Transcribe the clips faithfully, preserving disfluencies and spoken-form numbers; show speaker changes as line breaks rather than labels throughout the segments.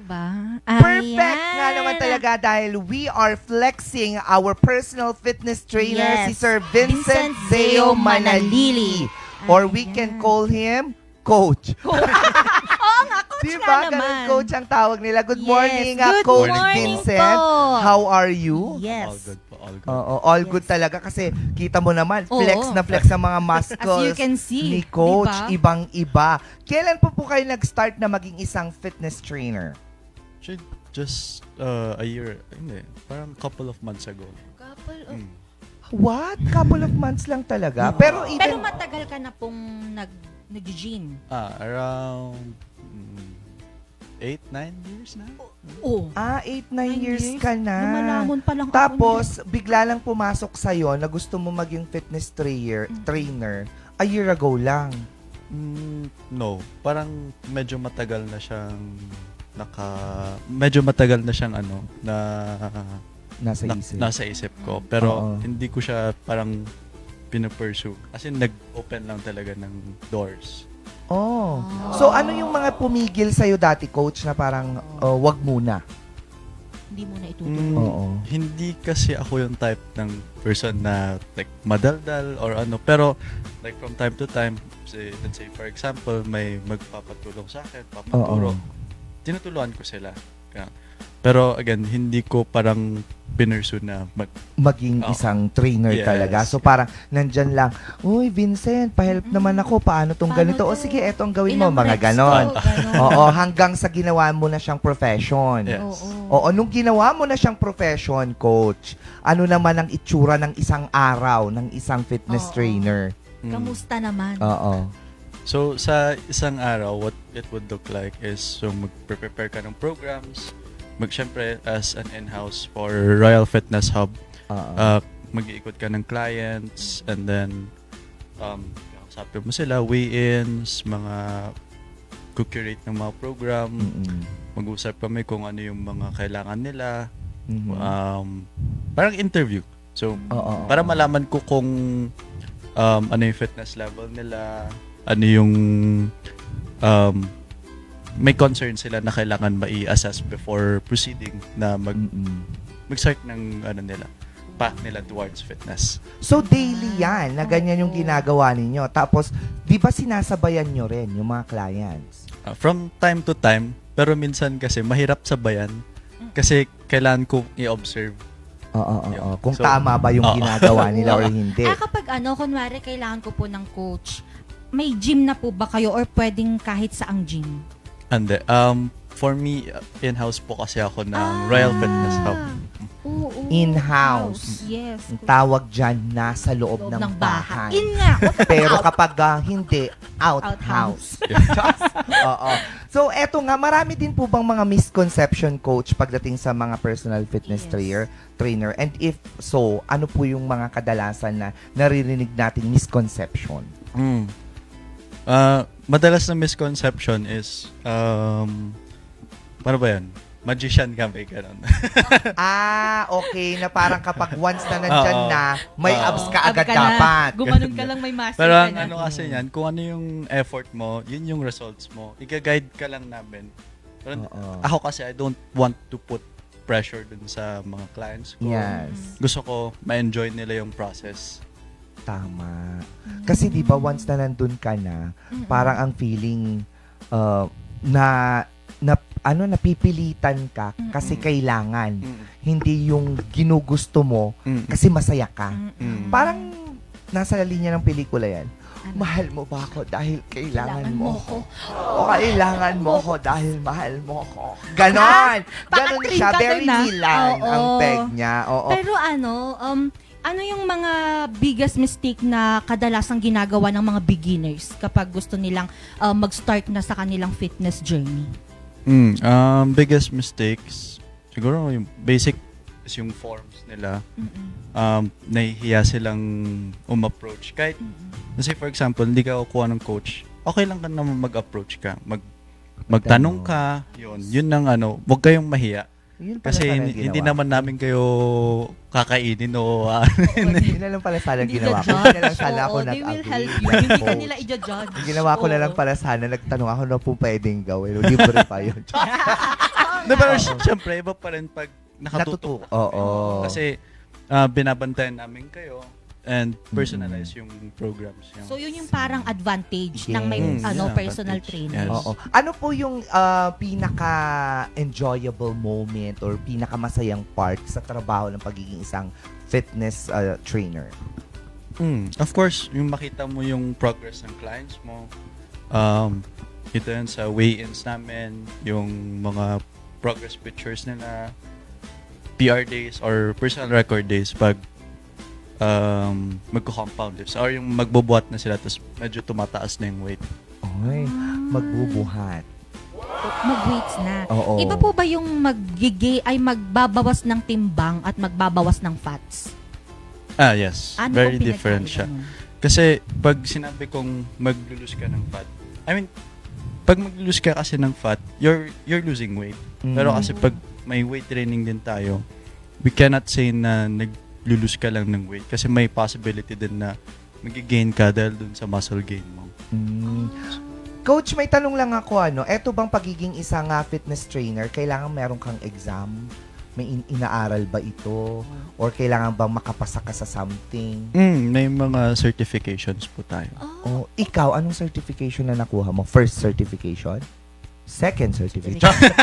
Diba?
Perfect
Ayan.
nga naman talaga dahil we are flexing our personal fitness trainer,
Yes.
si Sir Vincent,
Vincent
Zeo
Zeo
Manalili. Or we
Ayan.
can call him Coach.
Oo nga, coach
Diba?
nga
Ganun,
naman.
Coach ang tawag nila. Good
Yes.
morning, ah,
Good
Coach
morning
Vincent.
po.
How are you?
Yes.
All good po, all good.
Oo, all
Yes.
good talaga kasi kita mo naman,
Oo.
flex na flex ang mga muscles
As you can see,
ni Coach,
diba?
ibang-iba. Kailan po po kayo nag-start na maging isang fitness trainer?
Actually, just uh, a year, hindi, parang couple of months ago.
Couple of...
Mm.
What? Couple of months lang talaga? Pero even...
Pero matagal ka na pong nag, nag-gym.
Ah, around mm, eight, nine years na.
Oo.
ah, eight, nine
Nine
years,
years?
ka na.
Lumalamon pa lang ako
Tapos, bigla lang pumasok sa'yo na gusto mo maging fitness trainer,
Mm.
trainer a year ago lang.
Mm, no, parang medyo matagal na siyang naka... Medyo matagal na siyang ano, na...
Nasa
na-
isip.
nasa isip ko. Pero
Oo.
hindi ko siya parang pinupursue. As in, nag-open lang talaga ng doors.
Oh. So, ano yung mga pumigil sa'yo dati, Coach, na parang oh, wag muna?
Hindi mo na itutuloy.
Mm,
Oo.
Hindi kasi ako yung type ng person na like madaldal or ano. Pero like from time to time, say, let's say for example, may magpapatulong sa akin, papaturo.
Oo.
Tinutulungan ko sila. Kaya- Pero again, hindi ko parang pinursue na mag...
Maging
Oo.
isang trainer
Yes.
talaga. So, parang nandyan lang, uy, Vincent, pahelp naman ako. Paano tong
Paano
ganito? O
to?
sige, eto ang gawin mo.
Ilang
Mga
reps
ganon.
to? Ganon.
Oo, hanggang sa ginawa mo na siyang profession.
Yes.
Oo.
Oo, nung ginawa mo na siyang profession, Coach, ano naman ang itsura ng isang araw ng isang fitness
Oo.
trainer?
Mm.
Kamusta naman?
Oo.
So sa isang araw, what it would look like is so mag-prepare ka ng programs. Mag syempre as an in-house for Royal Fitness Hub,
Oo.
uh, mag-iikot ka ng clients and then um kausapin mo sila, weigh-ins, mga curate ng mga program,
Mm-mm.
mag-usap kami kung ano yung mga kailangan nila,
Mhm.
um parang interview. So
Oo.
para malaman ko kung um, ano yung fitness level nila, ano yung um, may concern sila na kailangan mai-assess before proceeding na mag
Mm-mm.
mag-start ng ano nila, path nila towards fitness.
So, daily yan, na ganyan yung
Oo.
ginagawa ninyo. Tapos, di ba sinasabayan nyo rin yung mga clients?
Uh, from time to time, pero minsan kasi mahirap sabayan kasi kailangan ko i-observe.
Oo, oo,
Yun.
oo. Kung
So,
tama ba yung
oo.
ginagawa nila or hindi.
Ah, kapag ano, kunwari, kailangan ko po ng coach, may gym na po ba kayo or pwedeng kahit saang gym?
And um, for me, uh, in-house po kasi ako ng
Ah.
Royal Fitness Hub.
Oo, oo.
In-house.
Yes.
Ang tawag dyan, nasa loob,
Loob
ng, bahay.
In nga.
Pero kapag ah, hindi, out,
Outhouse.
house. Oo. So, eto nga, marami din po bang mga misconception, Coach, pagdating sa mga personal fitness
Yes.
trainer, trainer? And if so, ano po yung mga kadalasan na naririnig nating misconception?
Mm. Uh, madalas na misconception is, um, paano ba yan? Magician ka, may ganun.
Ah, okay, na parang kapag once na nandyan
Oo.
na, may
Oo.
abs ka agad
Abs ka na.
dapat.
Gumanon ka lang, may muscle
Pero
ka
ang
na.
ano kasi yan, kung ano yung effort mo, yun yung results mo. Iga-guide ka lang namin. Pero
Oo.
ako kasi, I don't want to put pressure dun sa mga clients ko.
Yes.
Gusto ko, ma-enjoy nila yung process.
Tama. Kasi di ba once na nandun ka na,
Mm-mm.
parang ang feeling uh, na na ano napipilitan ka kasi
Mm-mm.
kailangan,
Mm.
hindi yung ginugusto mo
Mm.
kasi masaya ka.
Mm-mm.
Mm.
Parang nasa linya ng pelikula yan.
Ano?
Mahal mo ba ako dahil kailangan
Kailangan
mo
mo
ako? O kailangan mo ako dahil mahal mo ako? Ganon! Ganon
Paka-train
siya.
ka
Very
dun, ah.
Milan
Oo.
ang peg niya. Oo.
Pero ano, um, ano yung mga biggest mistake na kadalasang ginagawa ng mga beginners kapag gusto nilang uh, mag-start na sa kanilang fitness journey?
Mm. Um, biggest mistakes, siguro yung basic is yung forms nila.
Mm-mm.
Um, nahihiya silang um-approach. Kahit,
Mm-mm.
kasi for example, hindi ka kukuha ng coach, okay lang ka naman mag-approach ka. Mag, magtanong ka, yun. Yun ang ano, huwag kayong mahiya.
Yun pala
Kasi
sana
hindi,
yung
hindi
ginawa.
naman namin kayo kakainin o ah,
Yun na lang pala sana
Hindi
ginawa ko.
judge.
Hindi na lang sana ako
Oo, they will
nag-agree.
help you.
like
Hindi ka
coach.
nila i-judge.
Ginawa ko na
Oo.
lang pala sana, nagtanong ako na po pwedeng gawin. Libre pa yun.
No, pero syempre, iba pa rin pag nakatutok.
Natututo. Oo.
Kasi ah, binabantayan namin kayo and personalize yung programs. Yung,
So, yun yung parang advantage ng may
Yes.
ano
Yeah,
personal
advantage.
trainer.
Yes.
Oo. Ano po yung ah, pinaka-enjoyable moment or pinaka-masayang part sa trabaho ng pagiging isang fitness ah, trainer?
Mm, of course, yung makita mo yung progress ng clients mo. Um, kita yun sa weigh-ins namin, yung mga progress pictures nila, P R days or personal record days pag um, magko-compound lifts or yung magbubuhat na sila tapos medyo tumataas na yung weight.
Oy, magbubuhat.
Mag-weights na.
Oo.
Iba po ba yung maggigi ay magbabawas ng timbang at magbabawas ng fats?
Ah, yes.
Ano
Very
pong
different
pinagkaiba
siya.
nun?
Kasi pag sinabi kong maglulose ka ng fat, I mean, pag maglulose ka kasi ng fat, you're you're losing weight. Pero
Mm.
kasi pag may weight training din tayo, we cannot say na naglulose ka lang ng weight kasi may possibility din na magigain ka dahil dun sa muscle gain mo.
Mm. Coach, may tanong lang ako, ano, eto bang pagiging isang ah, fitness trainer, kailangan meron kang exam? May in- inaaral ba ito? Or kailangan bang makapasa ka sa something?
Mm, may mga certifications po tayo.
O
Oh,
ikaw, anong certification na nakuha mo? First certification? Second certification?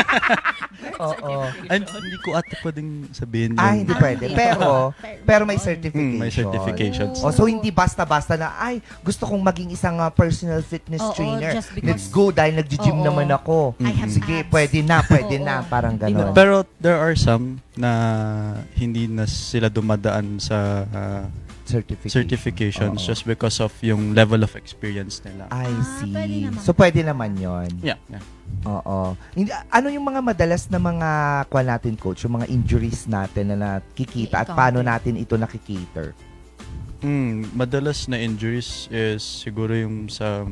Oo.
Ay, hindi ko ata pwedeng sabihin yun.
Ah, hindi pwede. Pero, pero may certification.
Mm, may certifications.
Oh, so hindi basta-basta na, ay, gusto kong maging isang ah, personal fitness
Oo,
trainer.
just because-
Let's go dahil nag-gym
Oo.
naman ako.
I have
Sige,
abs.
pwede na, pwede
Oo.
na. Parang gano'n.
Pero there are some na hindi na sila dumadaan sa ah,
Certification.
certifications
Oo.
just because of yung level of experience nila.
I
Ah,
see.
pwede naman.
So, pwede naman yon.
Yeah, yeah.
Oo. Hindi- Ano yung mga madalas na mga, kwa natin, coach, yung mga injuries natin na nakikita at
I-encounter.
paano natin ito nakikater?
Mm, madalas na injuries is siguro yung sa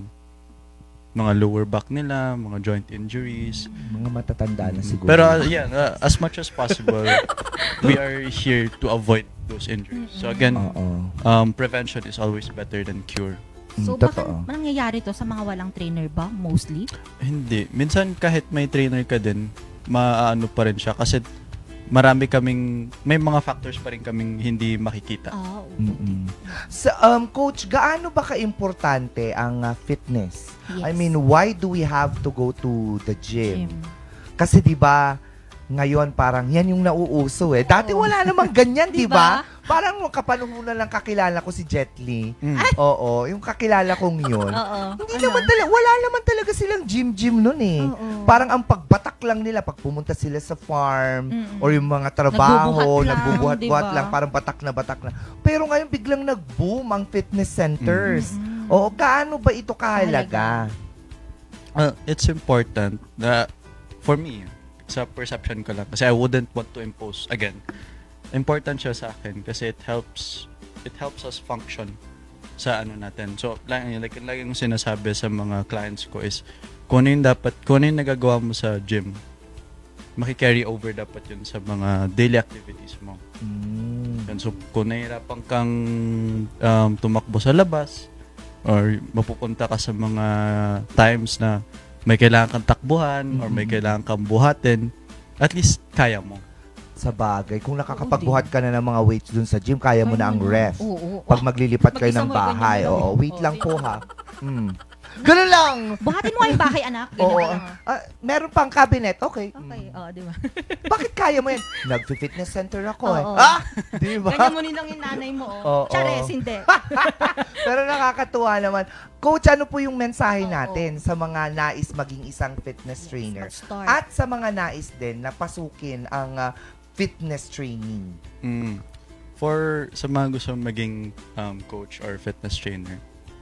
mga lower back nila, mga joint injuries.
Mga matatanda na siguro.
Pero uh, yeah, uh, as much as possible, we are here to avoid those injuries. So again,
Oo.
um, prevention is always better than cure.
So,
Mm,
baka
totoo.
nangyayari to sa mga walang trainer ba? Mostly?
Hindi. Minsan kahit may trainer ka din, maano pa rin siya kasi marami kaming, may mga factors pa rin kaming hindi makikita.
Ah,
Mm-mm. Sa um coach, gaano ba kaimportante ang ah, fitness?
yes.
I mean, why do we have to go to the gym?
Gym.
Kasi 'di ba, ngayon parang yan yung nauuso eh. Dati
Oo.
wala namang ganyan, 'di
Diba?
ba? Parang kapanuhunan lang kakilala ko si Jet Li.
Mm.
Oo, yung kakilala kong yun.
Oo.
Hindi
Ano?
naman talaga, wala naman talaga silang gym-gym nun eh.
Oo.
Parang ang pagbatak lang nila pag pumunta sila sa farm
Mm-mm.
or yung mga trabaho,
Nagbubuhat lang,
nagbubuhat-buhat
diba?
lang, parang batak na batak na. Pero ngayon biglang nag-boom ang fitness centers.
Mm-mm.
Oo, gaano ba ito kahalaga?
Uh, it's important na, for me, sa perception ko lang, kasi I wouldn't want to impose, again, important siya sa akin kasi it helps, it helps us function sa ano natin. So, like, like, like yung sinasabi sa mga clients ko is, kung ano yung dapat, kung ano yung nagagawa mo sa gym, maki-carry over dapat yun sa mga daily activities mo.
Mm.
Yan. So, kung nahihirapan kang um, tumakbo sa labas, or mapupunta ka sa mga times na may kailangan kang takbuhan, or may
Mhm.
kailangan kang buhatin, at least kaya mo.
Sa bagay, kung nakakapagbuhat ka na ng mga weights dun sa gym, kaya mo na ang ref.
Oo.
Pag maglilipat kayo
Mag-isa
ng
mo, ganyan
bahay.
mo lang.
Oo, wait
Oo,
lang
wait
po
lang.
ha. Mm. Ganun lang!
Buhatin mo nga yung bahay, anak. Ganyan
Oo.
ka lang, ah.
Ah, meron pang cabinet. Okay.
Okay,
Mm.
oh, di ba?
Bakit kaya mo yan? Nag-fitness center ako eh.
Oo.
Ah! Di ba?
Ganyan mo nilang yung nanay mo, oh.
Oo.
Chares, hindi.
Pero nakakatuwa naman. Coach, ano po yung mensahe
Oo.
natin sa mga nais maging isang fitness trainer?
Mag-start.
At sa mga nais din na pasukin ang ah, fitness training.
Mm. For sa mga gusto maging um, coach or fitness trainer,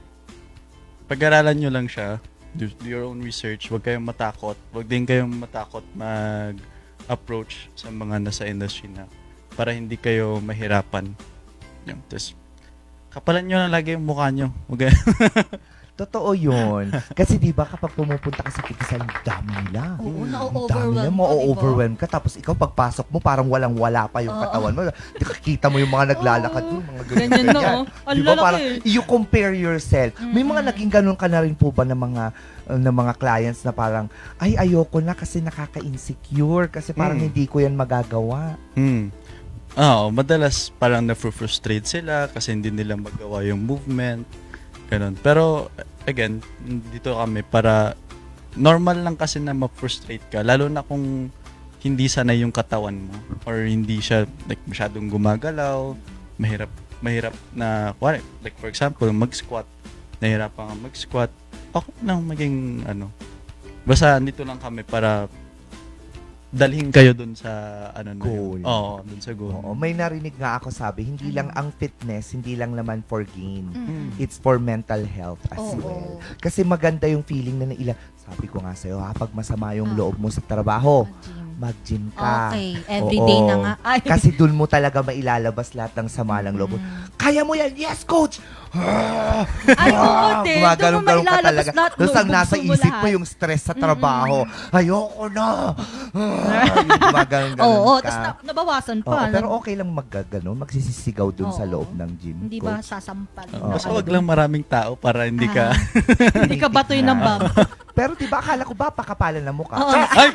pag-aralan nyo lang siya, do, do your own research, huwag kayong matakot, huwag din kayong matakot mag-approach sa mga nasa industry na para hindi kayo mahirapan. Yung, tapos, kapalan nyo na lagi yung mukha nyo. Huwag kayo-
Totoo yun. Kasi di ba kapag pumupunta ka sa fitness, ang dami nila.
Oo,
Ang dami
na-overwhelm
na,
ka,
ma-overwhelm ka. Tapos ikaw, pagpasok mo, parang walang-wala pa yung
Oo.
katawan mo. Di ka kita mo yung mga naglalakad
Oo.
mo, mga
Ganyan
ganyan.
na, oh. Ang
Di ba
lalaki.
parang you compare yourself. May mga
Mm-mm.
naging ganun ka na rin po ba ng mga uh, ng mga clients na parang, ay, ayoko na kasi nakaka-insecure kasi parang
Mm.
hindi ko yan magagawa.
Hmm. Oo, madalas parang na-frustrate sila kasi hindi nila magawa yung movement. Ganun. Pero, again, dito kami para normal lang kasi na ma-frustrate ka. Lalo na kung hindi sanay yung katawan mo or hindi siya like masyadong gumagalaw, mahirap mahirap na, like for example, mag-squat. Nahirapan ka mag-squat. Okay lang maging ano. Basta dito lang kami para dalhin kayo dun sa ano na
Goal.
yun. Oo, dun sa goal.
Oo, may narinig nga ako sabi, hindi lang ang fitness, hindi lang naman for gain.
Mm.
It's for mental health as
Oo.
well. Kasi maganda yung feeling na naila. Sabi ko nga sa'yo, ha, pag masama yung
Ah.
loob mo sa trabaho,
Gym.
mag-gym ka.
Okay, everyday
Oo.
na nga. Ay.
Kasi dun mo talaga mailalabas lahat ng sama ng loob mo.
Mm.
Kaya mo yan! Yes, coach! Ah!
Ay, oo,
Ah!
te.
Gumaganon-ganon
Doon mo
ka
mailalabas
talaga.
lahat,
Tapos ang
bubuksan
nasa
mo
isip mo
lahat.
yung stress sa trabaho. Ayoko na! Ah! Yung gumaganon-ganon
Oo,
ka.
tapos na, nabawasan
Oo,
pa.
pero okay lang maggaganon, magsisisigaw dun sa
Oo.
loob ng gym.
Hindi ba
coach.
sasampal?
Uh,
Oo.
Basta wag lang maraming tao para hindi ka...
Hindi ka batoy ng bam.
Pero di ba akala ko ba pakapalan na mukha?
Oo.
Ay!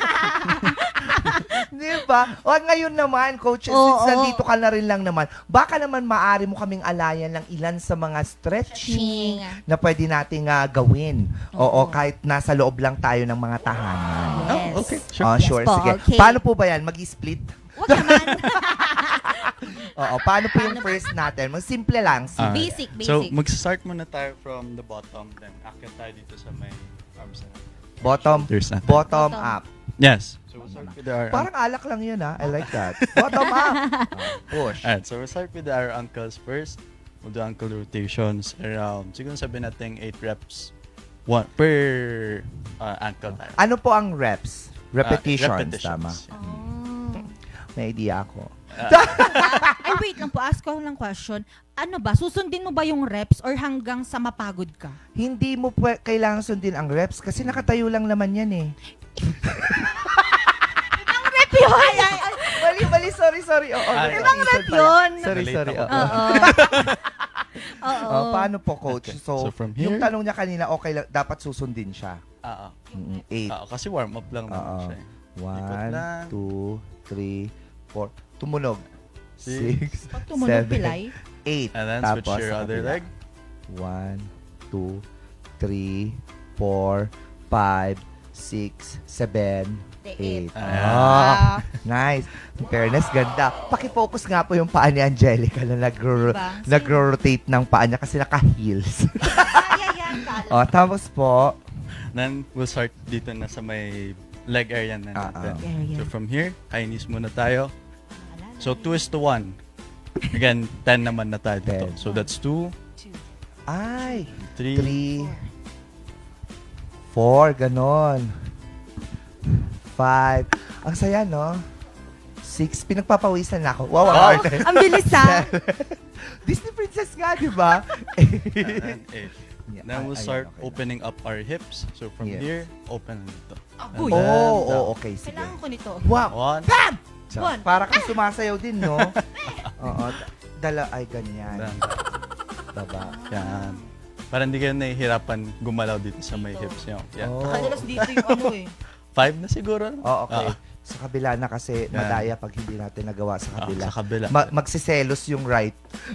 Di ba? O ngayon naman, coach,
Oo,
since
oo.
nandito ka na rin lang naman, baka naman maaari mo kaming alayan ng ilan sa mga stretching na pwede nating ah, gawin. Oo,
Oo.
kahit nasa loob lang tayo ng mga tahanan.
Yes.
Oh, okay. Sure.
Oh,
Yes
sure.
po,
Sige.
okay.
Paano po ba yan? Mag-split?
Huwag naman.
Oo, paano po yung first natin? Mag simple lang.
Ah,
Basic, basic.
So, mag-start muna tayo from the bottom, then akyat tayo dito sa may arms na.
Bottom,
Shoulders natin.
bottom
Bottom.
up.
Yes. So, we'll start with our...
Parang alak lang yun, ha? I like that. Bottom up. Ah, push.
Alright, so we'll start with our ankles first. We'll do ankle rotations around, siguro sabihin natin eight reps one per uh, ankle tayo.
Ano po ang reps?
Ah,
Repetitions, tama.
Oh.
May idea ako.
Ay, wait lang po. Ask ko lang question. Ano ba? Susundin mo ba yung reps or hanggang sa mapagod ka?
Hindi mo pwe- kailangan sundin ang reps kasi nakatayo lang naman yan eh.
Rep yun! Ay, ay, ay.
Mali, mali, sorry, sorry. Oo,
Ah,
repetition
ibang rep
pala.
yun.
Sorry,
Relate
sorry.
ako.
Oo.
Oo. Oo.
Oh, paano po, coach?
Okay.
So,
So, from
yung
here-
tanong niya kanina, okay lang, dapat susundin siya.
Ah, ah.
Mm, Eight.
Ah, kasi warm up lang naman
Oo.
siya. eh.
One,
lang.
two, three, four. Tumunog.
Six.
Six,
Pag tumunog
seven,
pilay.
eight.
And then switch
Tapos
your
sa
other
kabila.
leg.
One, two, three, four, five, six, seven, eight.
Ayan.
Ah, nice. In fairness, ganda. Paki-focus nga po yung paa ni Angelica na nagro-
Diba?
nagro-rotate ng paa niya kasi naka-heels.
Ay, ay, ay. Kala.
oh, tapos po,
Then, we'll start dito na sa may leg area na
Ah,
natin.
ah.
Area.
So, from here, high knees muna tayo. So, two is to one. Again, ten naman na tayo dito.
Ten.
So, that's two,
ay,
three,
three, four, ganon. Five. Ang saya, no? Six. Pinagpapawisan na ako. Wow, ang
Wow.
arte.
Ang bilis ah.
Disney princess nga, di ba?
and then eight.
Yeah,
Then we'll
ay-
start
ayun, okay lang.
opening up our hips. So, from
Yes.
here, open na dito.
Agoy.
And then
Oh,
down.
oh, okay, sige.
Kailangan ko nito.
Wow.
One,
So,
One.
para kang sumasayaw din, no? Oo. d- Dala, ay, ganyan.
down.
Baba.
Yan. Para hindi kayo nahihirapan gumalaw dito sa may hips nyo. Yan.
Oh.
Nakadalas dito yung ano eh.
Five na siguro.
Oh, okay.
Ah,
Sa kabila na kasi
Yan.
madaya pag hindi natin nagawa sa
ah,
kabila.
sa kabila.
Ma- magsiselos yung right.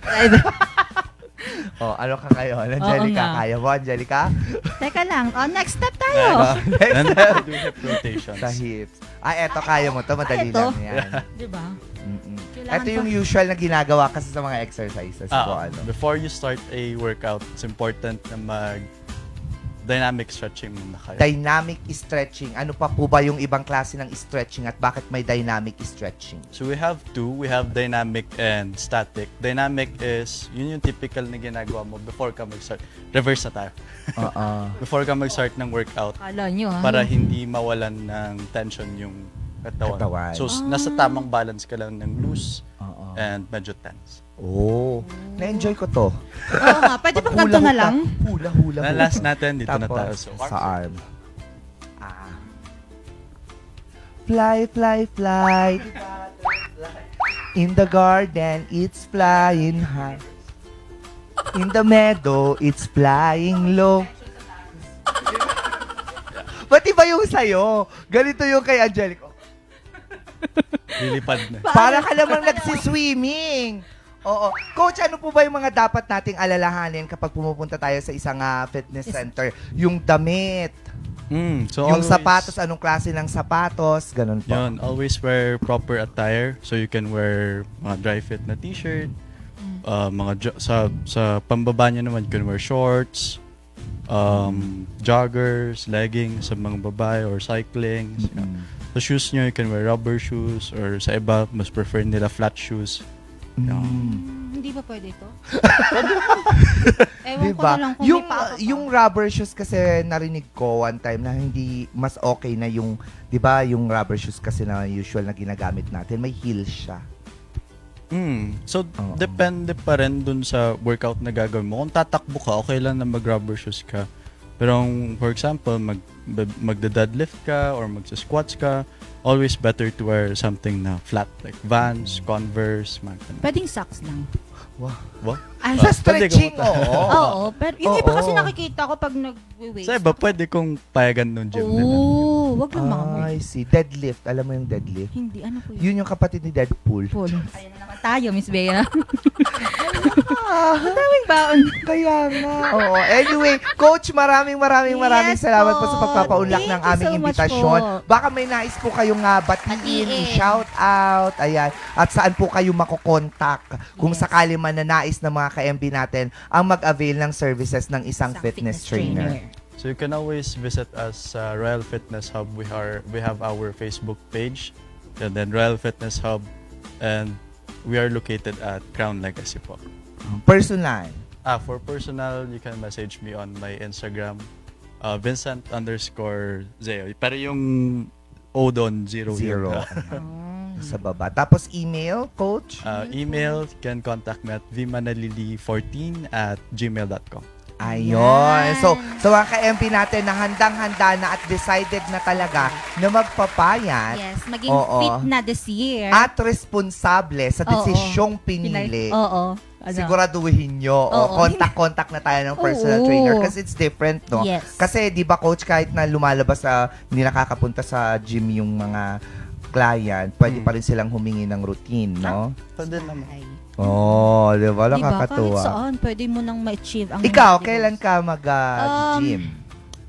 Oh, ano ka ngayon? Angelica,
nga.
kaya mo, Angelica?
Teka lang. Oh, next step
Then,
tayo.
then we'll do hip rotations.
Sa hips. Ah, eto, kaya mo to. Madali
Ah, eto?
lang yan.
Di ba?
Mm-mm.
Kailangan
Ito yung usual na ginagawa kasi sa mga exercises po.
Ah,
Ano.
before you start a workout, it's important na mag dynamic stretching muna kayo.
Dynamic stretching. Ano pa po ba yung ibang klase ng stretching at bakit may dynamic stretching?
So we have two. We have dynamic and static. Dynamic is, yun yung typical na ginagawa mo before ka mag-start. Reverse na tayo.
Oo.
Before ka mag-start ng workout,
Kala nyo ha.
para hindi mawalan ng tension yung katawan.
Katawan.
So, s- nasa tamang balance ka lang ng loose
Oo.
and medyo tense.
Oh. Na-enjoy ko to.
Oo nga, pwede bang ganito na lang?
Hula, hula,
Na
hula.
last natin, dito na tayo.
Tapos,
So,
sa arm. Ah. Fly, fly, fly. In the garden, it's flying high. In the meadow, it's flying low. Ba't iba yung sa'yo? Ganito yung kay Angelico.
lilipad na.
Para ka namang nagsiswimming. Oo. Coach, ano po ba yung mga dapat nating alalahanin kapag pumupunta tayo sa isang ah, fitness center? Yung damit,
Mm, so
yung
always,
sapatos, anong klase ng sapatos, ganun po.
Yun, always wear proper attire. So you can wear mga dry fit na t-shirt. Uh, mga jo- sa sa pambaba niya naman, you can wear shorts, um, joggers, leggings sa mga babae or cycling.
Mm.
Sa shoes niyo, you can wear rubber shoes or sa iba, mas prefer nila flat shoes.
Mm.
Hmm, hindi ba pwede ito? Ewan ko
Diba?
na lang kung
Yung,
may paa ka pa.
yung rubber shoes kasi narinig ko one time na hindi mas okay na yung, di ba, yung rubber shoes kasi na usual na ginagamit natin, may heels siya.
Mm. So,
Oo.
depende pa rin dun sa workout na gagawin mo. Kung tatakbo ka, okay lang na mag-rubber shoes ka. Pero, kung, for example, mag, magda-deadlift ka or magsa-squats ka, always better to wear something na flat, like Vans, Converse, mga ganun.
Pwedeng socks lang.
Wow.
Wow.
Ay,
Sa
Ah,
stretching,
pwede ka
oo.
Oo, pero yung iba
Oo.
kasi nakikita ko pag nag-weights.
Sa iba, pwede kong payagan nung gym nila.
Oo, wag lang mga mo.
I see. Deadlift. Alam mo yung deadlift?
Hindi, ano po yun?
Yun yung kapatid ni Deadpool.
Paul. Ayan na naman tayo, Miss Bea. Ang daming baon.
Kaya nga. Oo. Anyway, Coach, maraming maraming maraming
Yes
salamat po
po.
sa pagpapaunlak
Thank
ng
you
aming
so much
imbitasyon.
po.
Baka may nais po kayong uh, batiin,
Batiin.
i-shout out, ayan. At saan po kayo makokontak kung
Yes.
sakali man na nais ng mga ka-M B natin ang mag-avail ng services ng isang,
Isang
fitness, trainer.
So you can always visit us sa Royal Fitness Hub. We are we have our Facebook page, and then Royal Fitness Hub, and we are located at Crown Legacy po.
Personal.
Ah, for personal, you can message me on my Instagram, uh, Vincent underscore Zeo. Pero yung O doon, zero.
Zero.
yun.
Oh.
Sa baba. Tapos email, Coach?
Uh, email, you can contact me at vimanalili fourteen at gmail dot com.
Ayun.
Yan.
So, sa mga ka-M P natin na handang-handa na at decided na talaga na magpapayat
Yes, maging
Oo.
fit na this year.
at responsable sa
Oo.
desisyong pinili,
Oo. Ano?
siguraduhin nyo. O,
Oo.
contact-contact na tayo ng personal
Oo.
trainer kasi it's different, no?
Yes.
Kasi, di ba, Coach, kahit na lumalabas sa, hindi nakakapunta sa gym yung mga client, pwede
Hmm.
pa rin silang humingi ng routine, no?
Pwede naman.
Ay.
Oo, oh, di ba?
Diba? Kahit
Nakakatuwa.
saan, pwede mo nang ma-achieve ang
Ikaw,
mga
kailan
goals.
ka mag-gym?
Um,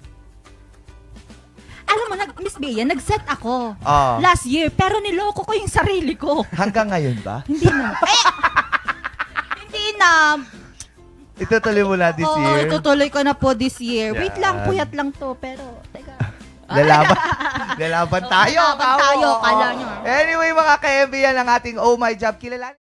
Alam mo, nag, Miss Bea, nag-set ako
oh,
last year, pero niloko ko yung sarili ko.
hanggang ngayon ba?
Hindi na. Ay! Hindi na.
Itutuloy mo na this
Oo,
year?
itutuloy ko na po this year. Wait
Yan.
lang, puyat lang to, pero, teka.
Lalaban, lalaban tayo.
Lalaban tayo,
Oo, oo.
kala nyo.
Anyway, mga ka-M B, yan ang ating Oh My Job. Kilala